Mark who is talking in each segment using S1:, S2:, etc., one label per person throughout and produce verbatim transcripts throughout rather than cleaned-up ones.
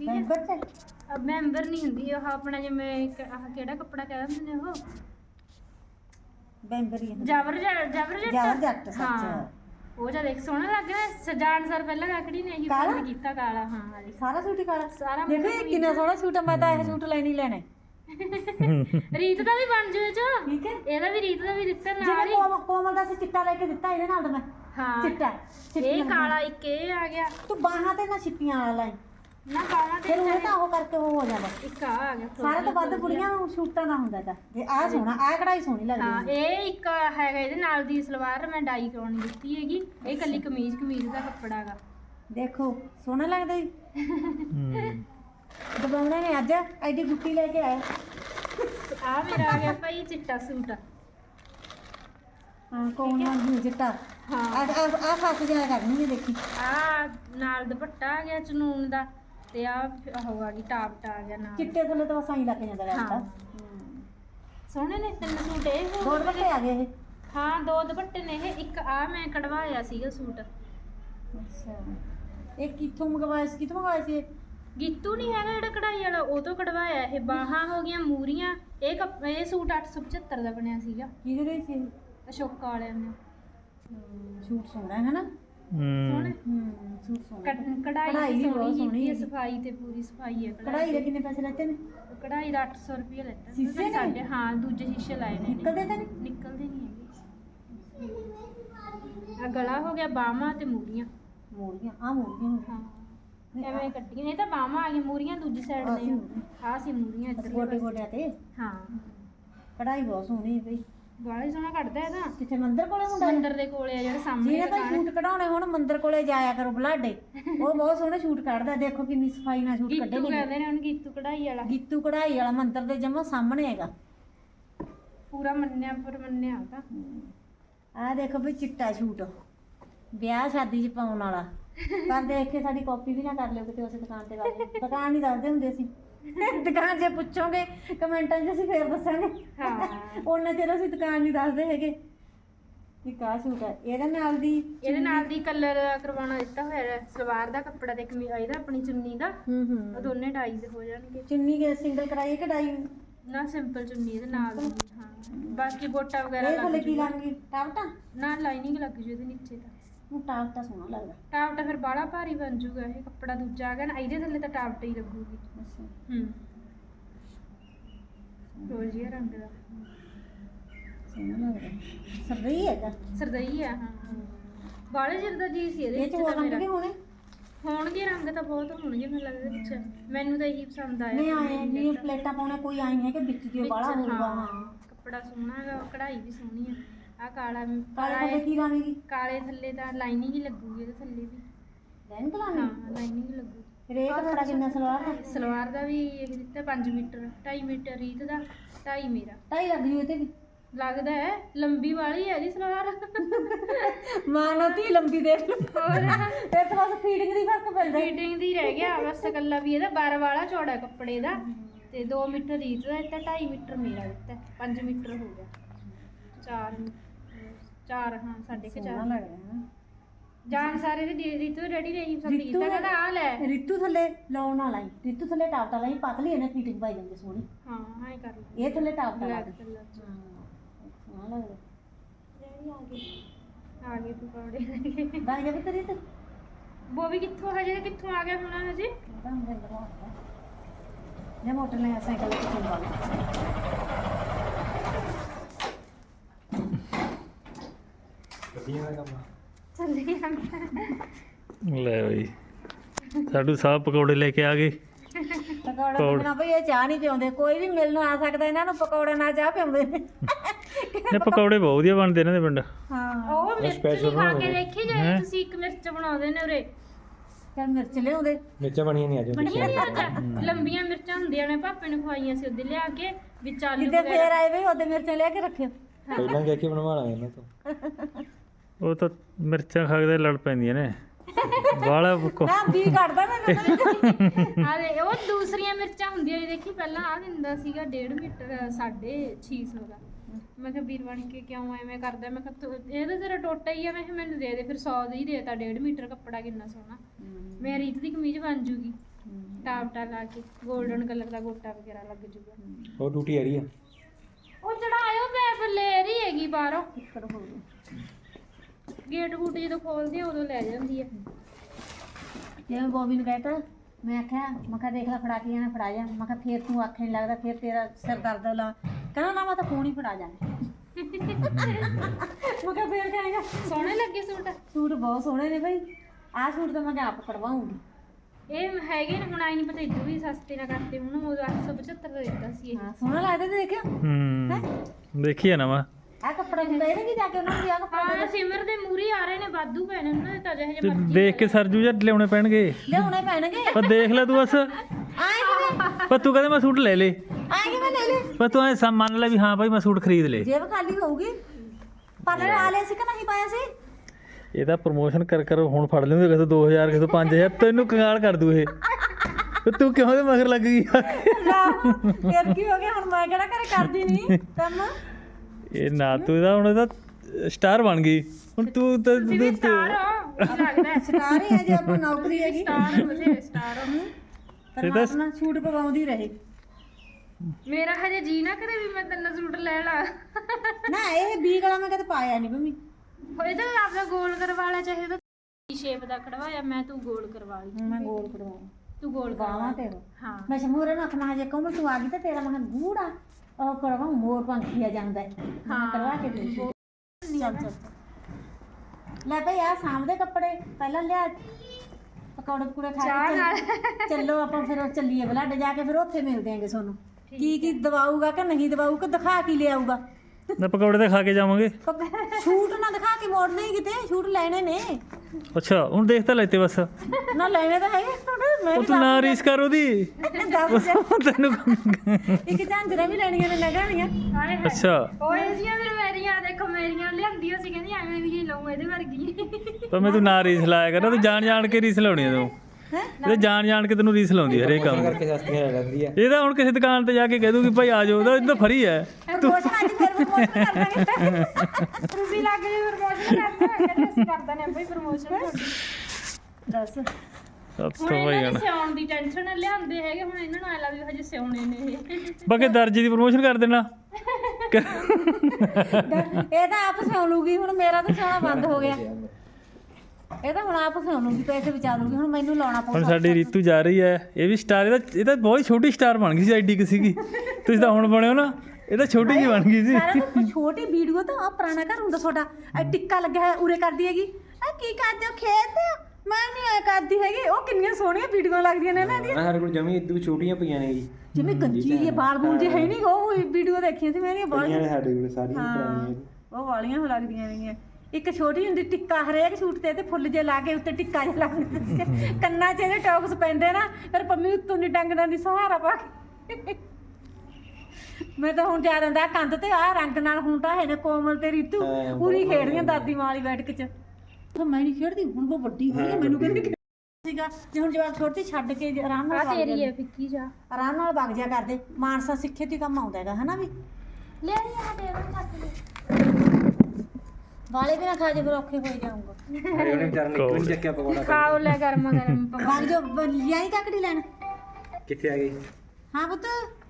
S1: ਠੀਕ ਹੈ
S2: ਮੈਂਬਰ ਤੇ
S1: ਅਬ ਮੈਂਬਰ ਨਹੀਂ ਹੁੰਦੀ ਉਹ ਆਪਣਾ ਜਿਵੇਂ ਇੱਕ ਆਹ ਕਿਹੜਾ ਕੱਪੜਾ ਕਹਿ ਦਿੰਦੇ ਨੇ ਉਹ
S2: ਮੈਂਬਰ ਹੀ
S1: ਜਬਰ ਜੱਟ ਜਬਰ ਜੱਟ
S2: ਜਬਰ ਜੱਟ ਸੱਚ
S1: ਹਾਂ ਉਹ ਜਦ ਦੇਖ ਸੋਹਣਾ ਲੱਗ ਰਿਹਾ ਸਜਾਣ ਸਰ ਪਹਿਲਾਂ ਕਾਕੜੀ ਨੇ ਇਹੀ
S2: ਕਾਲਾ?
S1: ਪਸੰਦ ਕੀਤਾ ਕਾਲਾ ਹਾਂ ਵਾਲੀ
S2: ਸਾਰਾ ਸੂਟ ਹੀ ਕਾਲਾ
S1: ਸਾਰਾ
S2: ਦੇਖੋ ਇਹ ਕਿੰਨਾ ਸੋਹਣਾ ਸੂਟ ਆ, ਮੈਂ ਤਾਂ ਇਹ ਸੂਟ ਲੈਣੀ ਲੈਣਾ ਹੈ।
S1: ਰੀਤ ਦਾ ਵੀ ਬਣ ਜੂ ਇਹ ਚ
S2: ਠੀਕ ਹੈ
S1: ਇਹਦਾ ਵੀ ਰੀਤ ਦਾ ਵੀ ਦਿੱਤਾ ਨਾਲ
S2: ਜਿਵੇਂ
S1: ਹੀ
S2: ਕੋਮਲ ਕੋਮਲ ਦਾ ਸੀ ਚਿੱਟਾ ਲੈ ਕੇ ਦਿੱਤਾ ਇਹਦੇ ਨਾਲ ਤਾਂ ਮੈਂ
S1: ਹਾਂ
S2: ਚਿੱਟਾ
S1: ਇਹ ਕਾਲਾ ਇੱਕ ਇਹ ਆ ਗਿਆ
S2: ਤੂੰ ਬਾਹਾਂ ਤੇ ਨਾ ਛਿੱਪੀਆਂ ਵਾਲਾ ਲਾਈ
S1: ਨਾ ਕਾਲਾ ਤੇ
S2: ਫਿਰ ਉਹ ਤਾਂ ਉਹ ਕਰਕੇ ਉਹ ਹੋ ਜਾਂਦਾ
S1: ਇੱਕ ਆ ਆ ਗਿਆ
S2: ਸਾਰੇ ਤੋਂ ਵੱਧ ਕੁੜੀਆਂ ਨੂੰ ਸੂਟਾਂ ਦਾ ਹੁੰਦਾ ਤਾਂ ਤੇ ਆਹ ਸੋਹਣਾ ਆਹ ਕਢਾਈ ਸੋਹਣੀ
S1: ਹਾਂ
S2: ਲੱਗਦੀ ਹੈ।
S1: ਇਹ ਇੱਕ ਹੈਗਾ ਇਹਦੇ ਨਾਲ ਦੀ ਸਲਵਾਰ ਮੈਂ ਡਾਈ ਕਰਾਉਣ ਦਿੱਤੀ ਹੈਗੀ ਇਹ ਕੱਲੀ ਕਮੀਜ਼ ਕਮੀਜ਼ ਦਾ ਕੱਪੜਾ ਹੈਗਾ
S2: ਦੇਖੋ ਸੋਹਣਾ ਲੱਗਦਾ ਜੀ ਦਬਾਉਣੇ ਨੇ ਅੱਜ ਐਡੀ ਗੁੱਟੀ ਲੈ ਕੇ ਆਏ
S1: ਆ ਮੇਰਾ ਆ ਗਿਆ ਭਾਈ ਚਿੱਟਾ ਸੂਟ
S2: ਹਾਂ ਕੋਣ ਨੂੰ ਚਿੱਟਾ
S1: ਹਾਂ
S2: ਆ ਆ ਆ ਫਸ ਜਾਇਆ ਕਰਨੀ ਹੈ ਦੇਖੀ
S1: ਆ ਨਾਲ ਦੁਪੱਟਾ ਆ ਗਿਆ ਚਨੂਨ ਦਾ ਤੇ ਆ ਉਹ ਆ ਗਈ ਟਾਪ ਟਾ ਆ ਗਿਆ ਨਾਲ
S2: ਚਿੱਟੇ ਥੱਲੇ ਤਾਂ ਸਾਈ ਲੱਗ ਜਾਂਦਾ ਰਹਿੰਦਾ
S1: ਹਾਂ। ਸੋਹਣੇ ਨੇ ਤਿੰਨ ਸੂਟ ਇਹ ਹੋ
S2: ਦੋ ਦੁਪੱਟੇ ਆ ਗਏ ਇਹ
S1: ਹਾਂ ਦੋ ਦੁਪੱਟੇ ਨੇ ਇਹ ਇੱਕ ਆ ਮੈਂ ਕਢਵਾਇਆ ਸੀਗਾ ਸੂਟ
S2: ਅੱਛਾ ਇਹ ਕਿੱਥੋਂ ਮੰਗਵਾਇਆ ਸੀ ਕਿੱਥੋਂ ਮੰਗਵਾਇਆ ਸੀ ਇਹ?
S1: ਗੀਤੂ ਨਹੀਂ ਹੈਗਾ ਜਿਹੜਾ ਕਢਾਈ ਵਾਲਾ ਉਹ ਤੋਂ ਕਢਵਾਇਆ ਇਹ ਬਾਹਾਂ ਹੋ ਗਈਆਂ ਮੂਰੀਆਂ ਇਹ ਕੱਪ- ਇਹ ਸੂਟ ਅੱਠ ਸੌ ਪਚੱਤਰ ਦਾ ਬਣਿਆ ਸੀਗਾ
S2: ਕਿਹਦੇ ਲਈ ਸੀ ਇਹ?
S1: ਅਸ਼ੋਕਾ ਵਾਲਿਆਂ ਨੇ
S2: ਸੂਟ ਸੋਹਣਾ ਹੈ ਨਾ
S1: ਸੋਹਣੇ
S2: ਹੂੰ ਸੂਟ ਸੋਹਣਾ
S1: ਕਢ- ਕਢਾਈ
S2: ਕਢਾਈ ਵੀ
S1: ਵੀ
S2: ਬਹੁਤ
S1: ਸੋਹਣੀ
S2: ਸੋਹਣੀ
S1: ਕੀਤੀ ਹੈ
S2: ਹੈਗੀ।
S1: ਸਫਾਈ ਤੇ ਪੂਰੀ ਸਫਾਈ ਹੈ
S2: ਕਢਾਈ ਦੇ ਕਿੰਨੇ ਪੈਸੇ ਲੈਤੇ ਨੇ
S1: ਕਢਾਈ ਦਾ ਅੱਠ ਸੌ ਰੁਪਏ ਲੈਤਾ ਸੀ
S2: ਸ਼ੀਸ਼ੇ ਨੇ?
S1: ਸਾਡੇ ਹਾਂ ਦੂਜੇ ਸ਼ੀਸ਼ੇ ਲਾਏ ਨੇ ਇਹਨੇ।
S2: ਨਿਕਲਦੇ ਤਾਂ ਨਹੀਂ
S1: ਨਿਕਲਦੇ ਨਹੀਂ ਹੈਗੇ ਆ ਗਲਾ ਹੋ ਗਿਆ ਬਾਹਾਂ ਤੇ ਮੂਰੀਆਂ
S2: ਮੋੜੀਆਂ ਆ ਮੋੜੀਆਂ
S1: ਹਾਂ ਐਵੇਂ ਕੱਟੀਆਂ ਇਹ ਤਾਂ ਬਾਹਾਂ ਆ ਗਈਆਂ ਮੂਰੀਆਂ ਦੂਜੀ ਸਾਈਡ
S2: ਆਹ
S1: ਨੇ
S2: ਸੀ
S1: ਆ ਸੀ ਮੂਰੀਆਂ
S2: ਤੇ
S1: ਇੱਧਰ
S2: ਗੋਡੇ ਗੋਡਿਆਂ ਤੇ
S1: ਹਾਂ
S2: ਕਢਾਈ ਬਹੁਤ ਸੋਹਣੀ ਹੈ ਬਈ
S1: ਗਾਲੇ ਸੋਹਣਾ ਕੱਢਦਾ ਇਹਦਾ
S2: ਕਿੱਥੇ ਮੰਦਰ ਕੋਲੇ ਮੁੰਡਾ
S1: ਮੰਦਰ ਦੇ ਕੋਲੇ ਆ ਜਿਹੜਾ ਸਾਹਮਣੇ
S2: ਜਿਹਨੇ ਤਾਂ
S1: ਦੁਕਾਨ
S2: ਸ਼ੂਟ ਕਢਾਉਣੇ ਹੁਣ ਮੰਦਰ ਕੋਲੇ ਜਾਇਆ ਕਰੋ ਬਲਾਡੇ ਉਹ ਬਹੁਤ ਸੋਹਣੇ ਸ਼ੂਟ ਕੱਢਦਾ ਦੇਖੋ ਕਿੰਨੀ ਸਫਾਈ ਨਾਲ ਸ਼ੂਟ ਕੱਢੇ
S1: ਗੀਤੂ
S2: ਨੇ
S1: ਕਹਿੰਦੇ ਨੇ ਉਹਨੂੰ ਗੀਤੂ ਕਢਾਈ ਵਾਲਾ
S2: ਗੀਤੂ ਕਢਾਈ ਵਾਲਾ ਮੰਦਰ ਦੇ ਜਮਾ ਸਾਹਮਣੇ ਹੈਗਾ
S1: ਪੂਰਾ ਮੰਨਿਆ ਪਰ ਮੰਨਿਆ ਉਹਦਾ
S2: ਆਹ ਦੇਖੋ ਵੀ ਚਿੱਟਾ ਸ਼ੂਟ ਵਿਆਹ ਸ਼ਾਦੀ 'ਚ ਪਾਉਣ ਵਾਲਾ ਪਰ ਦੇਖ ਕੇ ਸਾਡੀ ਕਾਪੀ ਵੀ ਨਾ ਕਰ ਲਿਓ ਕਿਤੇ ਉਸੇ ਦੁਕਾਨ ਤੇ ਵਾਲੇ ਦੁਕਾਨ ਨਹੀਂ ਦੱਸਦੇ ਹੁੰਦੇ ਅਸੀਂ ਦੁਕਾਨ ਜੇ ਪੁੱਛੋਗੇ ਕਮੈਂਟਾਂ 'ਚ ਅਸੀਂ ਫੇਰ ਦੱਸਾਂਗੇ
S1: ਹਾਂ
S2: ਉਹਨਾਂ ਚਿਰ ਅਸੀਂ ਦੁਕਾਨ ਨਹੀਂ ਦੱਸਦੇ ਹੈਗੇ ਕਿ ਕਾਹ ਸੂਟ ਹੈ ਇਹਦੇ ਨਾਲ ਦੀ
S1: ਇਹਦੇ ਨਾਲ ਦੀ ਕਲਰ ਕਰਵਾਉਣਾ ਦਿੱਤਾ ਹੋਇਆ ਹੈ, ਸਲਵਾਰ ਦਾ ਕੱਪੜਾ ਤੇ ਕਮੀਜ਼ ਇਹਦਾ ਆਪਣੀ ਚੁੰਨੀ ਦਾ
S2: ਹੂੰ
S1: ਉਹ
S2: ਹੂੰ
S1: ਦੋਨੇ ਡਾਈ ਦੇ ਹੋ ਜਾਣਗੇ
S2: ਚੁੰਨੀ ਕੇ ਸਿੰਗਲ ਕਰਾਈ ਕਢਾਈ
S1: ਨਾ ਸਿੰਪਲ ਚੁੰਨੀ ਇਹਦੇ ਨਾਲ ਦੀ ਹਾਂ ਬਾਕੀ ਗੋਟਾ ਵਗੈਰਾ
S2: ਇਹ
S1: ਲੱਗ
S2: ਥੱਲੇ ਕੀ
S1: ਜੂਗਾ
S2: ਲਾਂਗੀ ਟਾਪਟਾ
S1: ਨਾ ਲਾਈਨਿੰਗ ਲੱਗ ਜੂ ਇਹਦੇ ਨੀਚੇ ਤਾਂ
S2: ਉਹ ਟਾਪਟਾ ਸੋਹਣਾ ਲੱਗਦਾ
S1: ਟਾਪਟਾ ਫਿਰ ਬਾਹਲਾ ਭਾਰੀ ਬਣ ਜੂਗਾ ਇਹ ਕੱਪੜਾ ਦੂਜਾ ਆ ਗਿਆ ਨਾ ਇਹਦੇ ਥੱਲੇ ਤਾਂ ਟਾਪਟਾ ਹੀ ਲੱਗੂਗੀ
S2: ਅੱਛਾ
S1: ਹੂੰ ਰੋਜ਼ੀਆ ਰੰਗ ਦਾ
S2: ਸੋਹਣਾ ਲੱਗਦਾ ਸਰਦੀ ਹੈਗਾ
S1: ਸਰਦਈ ਆ ਹਾਂ ਬਾਲੇ ਚਿਰ ਦਾ ਜੀ ਸੀ ਇਹਦੇ
S2: ਇਹ
S1: ਵਿੱਚ
S2: ਚ ਹੋਰ
S1: ਤਾਂ
S2: ਰੰਗ
S1: ਮੇਰਾ
S2: ਵੀ ਹੋਣੇ
S1: ਹੋਣਗੇ ਰੰਗ ਤਾਂ ਬਹੁਤ ਹੋਣਗੇ ਮੈਨੂੰ ਲੱਗਦਾ ਵਿੱਚ ਮੈਨੂੰ ਤਾਂ ਇਹੀ ਪਸੰਦ ਆਇਆ
S2: ਨਹੀਂ ਆਏ ਨਹੀਂ ਪਲੇਟਾਂ ਪਾਉਣਾ ਕੋਈ ਆਈ ਨਹੀਂ ਹੈ ਕਿ ਵਿੱਚ ਦੀ ਬਾਹਲਾ
S1: ਵਿੱਚ,
S2: ਹੋਊਗਾ
S1: ਹਾਂ,
S2: ਹਾਂ
S1: ਕੱਪੜਾ ਸੋਹਣਾ ਹੈਗਾ ਕਢਾਈ ਵੀ ਸੋਹਣੀ ਆ ਆ ਕਾਲਾ
S2: ਕਾਲੇ
S1: ਕਾਲਾ
S2: ਥੱਲੇ
S1: ਇਹ-
S2: ਕੀ ਲਾਵੇਂਗੀ
S1: ਕਾਲੇ ਥੱਲੇ ਤਾਂ ਲਾਈਨਿੰਗ ਹੀ ਲੱਗੂਗੀ ਇਹਦੇ ਥੱਲੇ ਵੀ
S2: ਲੈਣ ਕਲਾਣੀ
S1: ਹਾਂ ਲਾਈਨਿੰਗ ਹੀ ਲੱਗੂ
S2: ਫਿਰ ਇਹ ਕੱਪੜਾ ਕਿੰਨਾ ਸਲਵਾਰ ਦਾ
S1: ਸਲਵਾਰ ਦਾ ਵੀ ਇਹ ਦਿੱਤਾ ਪੰਜ ਮੀਟਰ ਢਾਈ ਮੀਟਰ ਰੀਤ ਦਾ ਢਾਈ ਮੇਰਾ
S2: ਢਾਈ ਲੱਗ ਜੂ ਇਹਦੇ ਵੀ
S1: ਲੱਗਦਾ ਹੈ ਲੰਬੀ ਵਾਲੀ ਹੈ ਇਹਦੀ ਸਲਵਾਰ
S2: ਮਾਨੋ ਤੀ ਲੰਬੀ ਦੇ
S1: ਹੋਰ
S2: ਇਹ ਤਾਂ ਬਸ ਫੀਡਿੰਗ ਦੀ ਫਰਕ ਪੈਂਦਾ
S1: ਫਿਟਿੰਗ ਦੀ ਰਹਿ ਗਿਆ ਬਸ ਇਕੱਲਾ ਵੀ ਇਹਦਾ ਬਾਰਾਂ ਵਾਲਾ ਚੌੜਾ ਕੱਪੜੇ ਦਾ ਤੇ ਦੋ ਮੀਟਰ ਰੀਤ ਦਾ ਦਿੱਤਾ ਢਾਈ ਮੀਟਰ ਮੇਰਾ ਦਿੱਤਾ ਪੰਜ ਮੀਟਰ ਹੋ ਗਿਆ ਚਾਰ ਚਾਰ ਹਾਂ ਸਾਢੇ ਕੁ
S2: ਸੋਹਣਾ
S1: ਚਾਰ
S2: ਲੱਗ ਰਿਹਾ ਨਾ
S1: ਜਾਨ ਸਾਰੇ ਦੀ ਰੀਤੂ ਰੈਡੀ ਰਹੀ ਪਸੰਦ
S2: ਰੀਤੂ
S1: ਕੀਤਾ ਕਹਿੰਦਾ ਆ ਲੈ
S2: ਰਿੱਤੂ ਥੱਲੇ ਲਾਉਣ ਵਾਲਾ ਹੀ ਰਿੱਤੂ ਥੱਲੇ ਟਾਪਟਾ ਲਾਈ ਪਤਲੀ ਇਹਨੇ ਫੀਟਿੰਗ ਪਾਈ ਜਾਂਦੀ ਸੋਹਣੀ
S1: ਹਾਂ ਐਂ ਕਰ ਲੈ
S2: ਇਹ ਥੱਲੇ ਟਾਪਟਾ ਲਾ
S1: ਬਲੈਕ ਕਲਰ ਚ
S2: ਸੋਹਣਾ ਲੱਗਦਾ
S1: ਆ ਗਏ ਆ ਗਏ ਪਕੌੜੇ
S2: ਬਾਈ ਜਾ ਵੀ ਤੇਰੀ ਤੇ
S1: ਉਹ ਵੀ ਕਿੱਥੋਂ ਹਜੇ ਕਿੱਥੋਂ ਆ ਗਿਆ ਹੁਣ ਹਜੇ
S2: ਤਾਂ ਮੇਰੇ ਲਵਾ ਜੇ ਮੋਟਰ ਲੈ ਸਾਈਕਲ ਤੇ ਚਲਵਾ
S3: ਵਧੀਆ ਦਾ ਕੰਮ
S1: ਚੱਲੀ ਜਾਂਦਾ
S4: ਲੈ ਬਈ ਸਾਡੂ ਸਾਹਿਬ ਪਕੌੜੇ ਲੈ ਕੇ ਆ ਗਏ
S2: ਪਕੌੜੇ ਤੋਂ ਬਿਨਾਂ ਬਈ ਇਹ ਚਾਹ ਨਹੀਂ ਪਿਉਂਦੇ ਕੋਈ ਵੀ ਮਿਲਣ ਆ ਸਕਦਾ ਇਹਨਾਂ ਨੂੰ ਪਕੌੜੇ ਨਾਲ ਚਾਹ ਪਿਉਂਦੇ ਨੇ
S4: ਇਹ ਪਕੌੜੇ ਬਹੁਤ ਵਧੀਆ ਬਣਦੇ ਇਹਨਾਂ ਦੇ ਪਿੰਡ
S2: ਹਾਂ
S1: ਉਹ ਮਿਰਚ
S3: special
S1: ਨਹੀਂ ਖਾ ਕੇ
S3: ਬਣਾਉਂਦੇ।
S1: ਦੇਖੀ ਜੇ
S4: ਹੈਂ?
S1: ਤੁਸੀਂ ਇੱਕ ਮਿਰਚ ਬਣਾਉਂਦੇ ਨੇ ਉਰੇ
S2: ਚੱਲ ਮਿਰਚ ਲਿਆਉਂਦੇ
S3: ਮਿਰਚਾਂ ਬਣੀਆਂ ਨਹੀਂ ਅੱਜ
S1: ਬਣੀਆਂ ਨਹੀਂ ਅੱਜ ਲੰਬੀਆਂ ਮਿਰਚਾਂ ਹੁੰਦੀਆਂ ਨੇ ਪਾਪੇ ਨੇ ਖਵਾਈਆਂ ਸੀ ਉਹਦੇ ਲਿਆ ਕੇ ਵਿੱਚ ਆਲੂ
S2: ਜਿੱਦੇ
S1: ਵਗੈਰਾ
S2: ਫੇਰ ਆਏ ਵੀ ਉਹਦੇ ਮਿਰਚਾਂ ਲਿਆ ਕੇ ਰੱਖਿਓ
S3: ਪਹਿਲਾਂ ਕਹਿ ਕੇ ਬਣਵਾ ਲਾਂਗੇ ਇਹਨਾਂ ਤੋਂ
S4: ਉਹ ਤਾਂ ਮਿਰਚਾਂ ਖਾ ਕੇ ਲੜ ਪੈਂਦੀਆਂ ਨੇ ਵਾਲਾ ਬੁੱਕੋ
S2: ਨਾ ਵੀ ਕੱਢਦਾ ਮੈਨੂੰ
S1: ਆ ਦੇ ਉਹ ਦੂਸਰੀਆਂ ਮਿਰਚਾਂ ਹੁੰਦੀਆਂ ਨੇ ਦੇਖੀ ਪਹਿਲਾਂ ਆ ਦਿੰਦਾ ਸੀਗਾ ਡੇਢ ਮੀਟਰ ਸਾਢੇ ਛੇ ਸੌ ਦਾ ਮੈਂ ਕਿਹਾ ਵੀਰ ਬਣ ਕੇ ਕਿਉਂ ਐਵੇਂ ਕਰਦਾ ਮੈਂ ਕਿਹਾ ਤੂੰ- ਇਹ ਤਾਂ ਤੇਰਾ ਟੋਟਾ ਹੀ ਆ ਮੈਂ ਕਿਹਾ ਮੈਨੂੰ ਦੇ ਦੇ ਫਿਰ ਸੌ ਦਾ ਹੀ ਦੇਤਾ ਡੇਢ ਮੀਟਰ ਕੱਪੜਾ ਕਿੰਨਾ ਸੋਹਣਾ ਮੇਰੀ ਰੀਤ ਦੀ ਕਮੀਜ਼ ਬਣ ਜੂਗੀ ਟਾਪਟਾ ਲਾ ਕੇ 골ਡਨ ਕਲਰ ਦਾ ਗੋਟਾ ਵਗੈਰਾ ਲੱਗ ਜੂਗਾ।
S3: ਉਹ ਡਿਊਟੀ ਆ ਰਹੀ ਆ।
S1: ਉਹ ਚੜਾਇਓ ਪੈਪ ਲੈ ਰਹੀ ਹੈਗੀ ਬਾਹਰੋਂ,
S2: ਉੱਪਰ ਹੋ ਗਿਆ
S1: ਗੇਟ ਗੂਟ ਜਦੋਂ ਖੋਲਦੇ ਆ ਉਦੋਂ ਲੈ ਜਾਂਦੀ ਹੈ।
S2: ਜਿਵੇਂ ਬੋਬੀ ਨੂੰ ਕਹਿਤਾ, ਮੈਂ ਆਖਿਆ ਮੈਂ ਕਿਹਾ ਦੇਖ ਲੈ ਫੜਾ ਕੇ ਜਾਣਾ, ਫੜਾ ਜਾ। ਮੈਂ ਕਿਹਾ ਫੇਰ ਤੂੰ ਆਖੇ ਨਹੀਂ ਲੱਗਦਾ, ਫੇਰ ਤੇਰਾ ਸਿਰ ਦਰਦ ਲਾ। ਕਹਿੰਦਾ ਨਾ ਮੈਂ ਤਾਂ ਫੋਨ ਹੀ ਫੜਾ ਜਾਣਾ। ਮੈਂ ਕਿਹਾ ਫੇਰ ਕਹੇਗਾ
S1: ਸੋਹਣੇ ਲੱਗੇ ਸੂਟ।
S2: ਸੂਟ ਬਹੁਤ ਸੋਹਣੇ ਨੇ ਬਈ। ਆਹ ਸੂਟ ਤਾਂ ਮੈਂ ਆਪ ਕਢਵਾਉਂਗੀ।
S1: ਇਹ ਹੈਗੇ ਨੇ ਹੁਣ ਆਈ ਨਹੀਂ ਪਤਾ ਇੱਧਰ ਵੀ ਸਸਤੇ ਨਾ ਕਰਤੇ ਹੁਣ, ਉਹ ਅੱਠ ਸੌ ਪਝੱਤਰ ਦਾ ਦਿੱਤਾ ਸੀ ਇਹ।
S2: ਹਾਂ ਸੋਹਣਾ ਲੱਗਦਾ ਤੇ ਦੇਖਿਆ।
S4: ਹੂੰ ਦੇਖੀਏ ਨਾ ਵਾ
S2: ਆਹ ਕੱਪੜਾ ਹੁੰਦਾ ਇਹਨੇ ਕੀ ਜਾ ਕੇ ਉਹਨਾਂ ਨੂੰ ਵਿਆਹ ਕੱਪੜਾ
S1: ਹਾਂ ਸਿਮਰ ਦੇ ਮੂਰੀ ਆ ਰਹੇ ਨੇ, ਵਾਧੂ ਪੈਣੇ ਉਹਨਾਂ ਦੇ ਤਾਂ ਜਿਹੇ ਜਿਹੇ ਮਰਜ਼ੀ
S4: ਦੇਖ ਕੇ ਸਰਜੂ ਜਾਂ ਲਿਆਉਣੇ ਪੈਣਗੇ।
S2: ਲਿਆਉਣੇ ਪੈਣਗੇ।
S4: ਪਰ ਦੇਖ ਲੈ ਤੂੰ ਬਸ,
S2: ਆਏ ਕਿਵੇਂ
S4: ਪਰ ਤੂੰ ਕਹਿੰਦੇ ਮੈਂ ਸੂਟ ਲੈ ਲੇ,
S2: ਆਏ ਕਿਵੇਂ ਲੈ ਲੈ।
S4: ਪਰ ਤੂੰ ਐ ਸਮ ਮੰਨ ਲੈ ਵੀ ਹਾਂ ਭਾਈ ਮੈਂ ਸੂਟ ਖਰੀਦ ਲੇ।
S2: ਜੇਬ ਖਾਲੀ ਹੋਊਗੀ। ਪਰ ਪਾ ਲਿਆ ਸੀ ਕਿ ਨਹੀਂ ਪਾਇਆ ਸੀ।
S4: ਇਹ ਤਾਂ ਪ੍ਰਮੋਸ਼ਨ ਕਰ ਕਰ ਹੁਣ ਫੜ ਲੈਂਦੇ ਕਿਸੇ ਤੋਂ ਦੋ ਹਜ਼ਾਰ ਕਿਸੇ ਤੋਂ ਪੰਜ ਹਜ਼ਾਰ, ਤੈਨੂੰ ਕੰਗਾਲ ਕਰ ਦੂ ਇਹ। ਤੇ ਤੂੰ ਕਿਉਂ ਦੇ ਮਗਰ ਲੱਗ ਗਈ?
S2: ਫਿਰ ਕੀ ਹੋ ਗਿਆ ਹੁਣ, ਮੈਂ ਕਿਹੜਾ ਘਰੇ ਕਰਦੀ ਨਹੀਂ ਕੰਮ।
S4: ਇਹ ਨਾ ਤੂੰ ਇਹਦਾ ਹੁਣ ਇਹਦਾ ਸਟਾਰ ਬਣ ਗਈ ਹੁਣ ਤੂੰ ਤਾਂ
S1: ਤੁਸੀਂ ਵੀ ਸਟਾਰ ਹੋ ਕੀ ਲੱਗਦਾ?
S2: ਸਟਾਰ ਹੀ ਹੈ ਜੇ ਆਪਾਂ ਨੌਕਰੀ ਹੈਗੀ।
S1: ਸਟਾਰ ਬਥੇਰੇ ਸਟਾਰ ਹੋ।
S2: ਪਰਮਾਤਮਾ ਛੂਟ ਪਵਾਉਂਦੀ ਰਹੇ।
S1: ਮੇਰਾ ਹਜੇ ਜੀ ਨਾ ਕਰੇ ਵੀ ਮੈਂ ਤੈਨੂੰ ਸੂਟ ਲੈ ਲਾ।
S2: ਨਾ ਇਹ ਬੀ ਗਲਾ ਮੈਂ ਕਦੇ ਪਾਇਆ ਨਹੀਂ ਮੰਮੀ।
S1: ਹੋਏ ਤਾਂ ਆਪਦਾ ਗੋਲ ਕਰਵਾ ਲਿਆ, ਚਾਹੇ ਉਹਦਾ ਸ਼ੇਪ ਦਾ ਕਢਵਾਇਆ, ਮੈਂ ਤੂੰ ਗੋਲ ਕਰਵਾ ਲਈ।
S2: ਮੈਂ ਗੋਲ ਕਢਵਾਇਆ
S1: ਤੂੰ ਗੋਲ
S2: ਬਾਵਾਂ
S1: ਕਰਵਾ।
S2: ਤੇ
S1: ਹਾਂ
S2: ਮੈਂ ਸ਼ਮੂਰੇ ਨੂੰ ਆਖਣਾ ਹਜੇ ਕੋਮਲ ਤੂੰ ਆ ਗਈ ਤੇ ਤੇਰਾ ਮੈਂ ਗੂੜਾ ਉਹ ਕਰਵਾਉਂ ਮੋਰ ਪੰਖੀਆ ਜਾਂਦਾ ਹੈ। ਮੈਂ
S1: ਹਾਂ।
S2: ਕਰਵਾ ਕੇ ਦੇ ਚੱਲ ਚੱਲ ਲੈ ਭਈ ਆ ਸਾਹਮਣੇ ਕੱਪੜੇ ਪਹਿਲਾਂ ਲਿਆ, ਪਕੌੜੇ ਪਕੂੜੇ ਖਾ
S1: ਚਾਹ
S2: ਕੇ
S1: ਨਾਲ।
S2: ਚੱਲ- ਚੱਲੋ ਆਪਾਂ ਫਿਰ ਚੱਲੀਏ ਬਲੱਡ ਜਾ ਕੇ ਫਿਰ ਉੱਥੇ ਮਿਲਦੇ ਆਂਗੇ ਤੁਹਾਨੂੰ। ਕੀ ਕੀ ਦਵਾਊਗਾ ਕਿ ਨਹੀਂ ਦਵਾਊਗਾ, ਦਿਖਾ ਕੀ ਲਿਆਊਗਾ।
S4: ਨਾ ਪਕੌੜੇ ਤਾਂ ਖਾ ਕੇ ਜਾਵਾਂਗੇ।
S2: ਸ਼ੂਟ ਨਾ ਦਿਖਾ ਕੇ ਮੋੜਨੇ ਹੀ ਕਿਤੇ, ਸ਼ੂਟ ਲੈਣੇ ਨੇ।
S4: ਅੱਛਾ ਹੁਣ ਦੇਖ ਤਾਂ ਲੈਤੇ ਬਸ।
S2: ਨਾ ਲੈਣੇ ਤਾਂ ਹੈਗੇ ਥੋੜੇ। ਮੈਂ
S4: ਉਹ
S2: ਵੀ
S4: ਤੂੰ ਨਾ ਰੀਸ ਕਰ ਉਹਦੀ।
S2: ਦੱਸ ਜਾ।
S4: ਤੈਨੂੰ
S2: ਇੱਕ ਝਾਂਜਰਾਂ ਵੀ ਲੈਣੀਆਂ ਨੇ ਲਗਾਣੀਆਂ।
S1: ਹਾਏ ਹਾਏ।
S4: ਅੱਛਾ
S1: ਓਏ ਜੀਆਂ ਫਿਰ ਮੇਰੀਆਂ ਦੇਖੋ, ਮੇਰੀਆਂ ਲਿਆਂਦੀਆਂ ਸੀ, ਕਹਿੰਦੀ ਐਵੇਂ ਦੀ ਲਊ ਇਹਦੇ ਵਰਗੀ।
S4: ਪਰ ਮੈਂ ਤੂੰ ਨਾ ਰੀਸ ਲਾਇਆ ਕਰ, ਤੂੰ ਜਾਣ ਜਾਣ ਕੇ ਰੀਸ ਲਾਉਣੀ ਆ ਤੂੰ।
S2: ਹੈ
S4: ਇਹ ਜਾਣ ਜਾਣ ਕੇ ਤੈਨੂੰ ਰੀਸ ਲਾਉਂਦੀ ਹੈ ਹਰੇਕ ਕੰਮ
S3: ਕਰਕੇ ਸਸਤੀਆਂ ਲੈ ਲੈਂਦੀ ਆ।
S4: ਇਹ ਤਾਂ ਹੁਣ ਕਿਸੇ ਦੁਕਾਨ ਤੇ ਜਾ ਕੇ ਕਹਿ ਦੂਗੀ ਭਾਈ ਆ ਜਾਓ, ਉਹਦਾ ਇਹ ਤਾਂ ਫਰੀ ਹੈ।
S2: ਪ੍ਰਮੋਸ਼ਨ ਅੱਜ ਫਿਰ ਪ੍ਰਮੋਸ਼ਨ ਕਰ ਦਾਂਗੇ।
S1: ਤੁਸੀਂ ਲੱਗ ਜੇ ਪ੍ਰਮੋਸ਼ਨ ਕਰਦੇ ਹੋ, ਕਹਿੰਦੇ ਅਸੀਂ ਕਰ ਦਨੇ ਬਈ ਪ੍ਰਮੋਸ਼ਨ ਤੁਹਾਡੀ।
S2: ਦੱਸ
S4: ਸੱਤ
S1: ਹੁਣ
S4: ਸੌ ਭਾਈ
S1: ਇਹਨਾਂ
S4: ਹਣ
S1: ਦੀ ਸਿਉਣ ਦੀ ਟੈਨਸ਼ਨ ਲਿਆਂਦੇ ਹੈਗੇ, ਹੁਣ ਇਹਨਾਂ ਨੂੰ ਐ ਲੱਗਦਾ ਵੀ ਹਜੇ ਸਿਉਣੇ ਨੇ ਇਹ।
S4: ਬਾਕੀ ਦਰਜੀ ਦੀ ਪ੍ਰਮੋਸ਼ਨ ਕਰ ਦੇਣਾ।
S2: ਇਹ ਤਾਂ ਆਪ ਸਿਉਂ ਲੂਗੀ, ਹੁਣ ਮੇਰਾ ਤਾਂ ਸਿਉਣਾ ਬੰਦ ਹੋ ਗਿਆ। ਇਹ ਤਾਂ ਹੁਣ ਆਪ ਸਿਉਂ ਲੂਗੀ, ਪੈਸੇ ਬਚਾ ਲੂਗੀ, ਹੁਣ ਮੈਨੂੰ ਲਾਉਣਾ ਪਊਗਾ।
S4: ਹੁਣ ਸਾਡੀ ਰੀਤੂ ਜਾ ਰਹੀ ਹੈ, ਇਹ ਵੀ ਸਟਾਰ, ਇਹਦਾ ਇਹ ਤਾਂ ਬਹੁਤ ਛੋਟੀ ਸਟਾਰ ਬਣ ਗਈ ਸੀ, ਐਡੀ ਕਿ ਸੀਗੀ। ਤੁਸੀਂ ਤਾਂ ਹੁਣ ਬਣੇ ਹੋ ਨਾ, ਇਹ ਤਾਂ ਛੋਟੀ ਜਿਹੀ ਬਣ ਗਈ ਸੀ।
S2: ਸਾਰਾ ਤਾਂ ਛੋਟੀ ਵੀਡੀਓ ਤਾਂ ਆ ਪੁਰਾਣਾ ਘਰ ਹੁੰਦਾ ਤੁਹਾਡਾ, ਇਹ ਟਿੱਕਾ ਲੱਗਿਆ ਹੈ ਉਰੇ ਕਰਦੀ ਹੈਗੀ। ਆ ਕੀ ਕਰਦੇ ਹੋ, ਖੇਡਦੇ ਹੋ? ਮੈਂ ਨਹੀਂ ਐ ਕਰਦੀ ਹੈਗੀ। ਉਹ ਕਿੰਨੀਆਂ ਸੋਹਣੀਆਂ ਵੀਡੀਓ ਲੱਗਦੀਆਂ ਨੇ ਇਹਨਾਂ ਦੀਆਂ।
S3: ਸਾਡੇ ਕੋਲ ਜਮੀ ਇਦੋਂ ਛੋਟੀਆਂ ਪਈਆਂ ਨੇ ਜੀ।
S2: ਜਿਵੇਂ ਗੰਜੀ ਜਿਹੀ ਬਾਲ ਬੂਲ ਜੇ ਹੈ ਨਹੀਂ, ਉਹ ਵੀਡੀਓ ਦੇਖੀਆਂ ਸੀ ਮੇਰੀਆਂ
S3: ਪਈਆਂ
S2: ਬਾਲੀਆਂ।
S3: ਨੇ ਸਾਡੇ ਕੋਲ ਸਾਰੀਆਂ
S2: ਹਾਂ
S3: ਪੁਰਾਣੀਆਂ।
S2: ਉਹ ਵਾਲੀਆਂ ਹੋ ਲੱਗਦੀਆਂ ਨੇਗੀਆਂ। ਇੱਕ ਛੋਟੀ ਹੁੰਦੀ ਟਿੱਕਾ, ਹਰੇਕ ਸੂਟ ਤੇ ਤੇ ਫੁੱਲ ਜੇ ਲਾ ਕੇ ਉੱਤੇ ਟਿੱਕਾ ਜਿਹਾ ਲਾ ਦਿੰਦੇ ਸੀ। ਕੰਨਾਂ 'ਚ ਇਹਦੇ ਟੌਪਸ ਪੈਂਦੇ ਨਾ, ਫਿਰ ਪੰਮੀ ਉੱਤੋਂ ਨਹੀਂ ਟੰਗਦਾ ਦੀ ਸਹਾਰਾ ਪਾ ਕੇ। ਮੈਂ ਤਾਂ ਹੁਣ ਯਾਦ ਆਉਂਦਾ ਕੰਧ ਤੇ ਆਹ ਰੰਗ ਨਾਲ ਹੁਣ ਤਾਂ ਹੈ ਨੇ ਕੋਮਲ ਤੇ ਰੀਤੂ
S3: ਹਾਂ,
S2: ਪੂਰੀ ਖੇਡਦੀਆਂ ਦਾਦੀ ਮਾਂ ਵਾਲੀ ਬੈਠਕ 'ਚ। ਤਾਂ ਮੈਂ ਨਹੀਂ ਖੇਡਦੀ, ਹੁਣ ਉਹ ਵੱਡੀ ਹੋਈ ਹੈ, ਮੈਨੂੰ ਕਹਿੰਦੀ ਸੀਗਾ ਜੇ ਹੁਣ ਜਵਾਬ ਛੋਟੀ ਛੱਡ ਕੇ ਆਰਾਮ ਨਾਲ
S1: ਆ
S2: ਵਗ
S1: ਤੇਰੀ
S2: ਜਾਂਦੇ।
S1: ਹੈ ਫਿੱਕੀ ਜਾ
S2: ਆਰਾਮ ਨਾਲ ਵਗ ਜਾ ਕਰਦੇ। ਮਾਨਸਾ ਸਿੱਖੇ ਤੇ ਕੰਮ ਆਉਂਦਾ ਹੈਗਾ ਹਨਾ ਵੀ।
S1: ਲੈ ਆ ਦੇ ਉਹ ਕੱਟ ਲੈ।
S2: ਵਾਲੇ ਵੀ ਨਾ ਖਾ ਜੇ ਫਿਰ ਔਖੇ ਹੋਈ ਜਾਊਗਾ।
S3: ਅਰੇ ਉਹਨੇ ਵਿਚਾਰ ਨੇ ਇੱਕ ਵੀ ਨੀ ਚੱਕਿਆ ਪਕੌੜਾ।
S1: ਖਾਓ ਲੈ ਗਰਮ ਗਰਮ ਪਕਾ।
S2: ਵਗ ਜੋ ਲਿਆਈ ਕਾਕੜੀ ਲੈਣ।
S3: ਕਿੱਥੇ ਆ ਗਈ?
S2: ਹਾਂ ਪੁੱਤ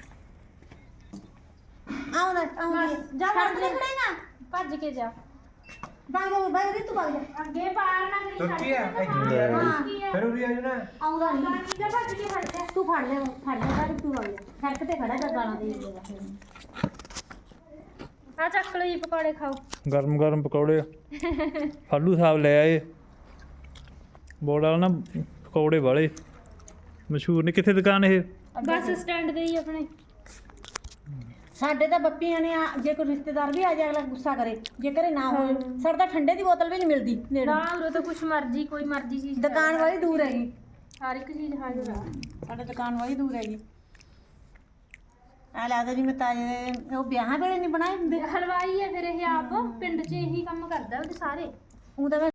S2: ਆਉਣਾ ਆਉਣਾ
S1: ਜਾ
S2: ਛੱਡ ਦੇ ਖੜੇਗਾ।
S1: ਭੱਜ ਕੇ ਜਾ
S2: ਵਗ ਜਾ ਵਗ ਰੀ ਤੂੰ ਵਗ ਜਾ।
S1: ਅੱਗੇ ਪਾਰ ਨਾ ਕਰੀ।
S3: ਤੁਰਕੀ ਆ
S2: ਹਾਂ
S3: ਫਿਰ ਉਹ ਵੀ ਆ ਜਾਣਾ।
S2: ਆਉਂਦਾ ਨਹੀਂ।
S1: ਜਾ ਭੱਜ ਕੇ ਫੜ ਜਾ।
S2: ਤੂੰ ਫੜ ਲੈ ਫੜ ਲੈ ਕਰ ਤੂੰ ਵਗ ਜਾ। ਸੜਕ ਤੇ ਖੜਾ ਕਰ ਗਾਣਾ ਦੇ ਦੇਗਾ।
S1: ਆ ਚੱਕ ਲਓ ਜੀ ਪਕੌੜੇ ਖਾਓ।
S4: ਗਰਮ ਗਰਮ ਪਕੌੜੇ ਫਾਲੂ ਸਾਹਿਬ ਲੈ ਆਏ। ਬੋੜਾ ਨਾ ਪਕੌੜੇ ਵਾਲੇ ਮਸ਼ਹੂਰ ਨੇ। ਕਿੱਥੇ ਦੁਕਾਨ ਇਹ?
S1: ਬੱਸ ਸਟੈਂਡ ਤੇ ਹੀ ਆਪਣੇ।
S2: ਸਾਡੇ ਤਾਂ ਬੱਪੀਆਂ ਨੇ ਆ- ਜੇ ਕੋਈ ਰਿਸ਼ਤੇਦਾਰ ਵੀ ਆ ਜਾਏ ਅਗਲਾ ਗੁੱਸਾ ਕਰੇ, ਜੇ ਘਰੇ ਨਾ ਹੋਵੇ। ਸਾਡੇ ਤਾਂ ਠੰਡੇ ਦੀ ਬੋਤਲ ਵੀ ਨਹੀਂ ਮਿਲਦੀ ਨੇੜੇ।
S1: ਨਾ ਉਰੇ ਤਾਂ ਕੁਛ ਮਰਜ਼ੀ ਕੋਈ ਮਰਜ਼ੀ ਚੀਜ਼
S2: ਦੁਕਾਨ ਵਾਲੀ ਦੂਰ ਹੈਗੀ।
S1: ਹਰ ਇੱਕ ਚੀਜ਼ ਹਾਜ਼ਰ ਆ।
S2: ਸਾਡੇ ਦੁਕਾਨ ਵਾਲੀ ਦੂਰ ਹੈਗੀ। ਆ ਲੱਗਦਾ ਜਿਵੇਂ ਤਾਜੇ ਉਹ ਵਿਆਹਾਂ ਵੇਲੇ ਨਹੀਂ ਬਣਾਏ ਹੁੰਦੇ।
S1: ਹਲਵਾਈ ਹੈ ਫਿਰ ਇਹ ਆਪ ਪਿੰਡ 'ਚ ਇਹੀ ਕੰਮ ਕਰਦਾ ਉਹਦੇ ਸਾਰੇ।
S2: ਉਹ ਤਾਂ ਮੈਂ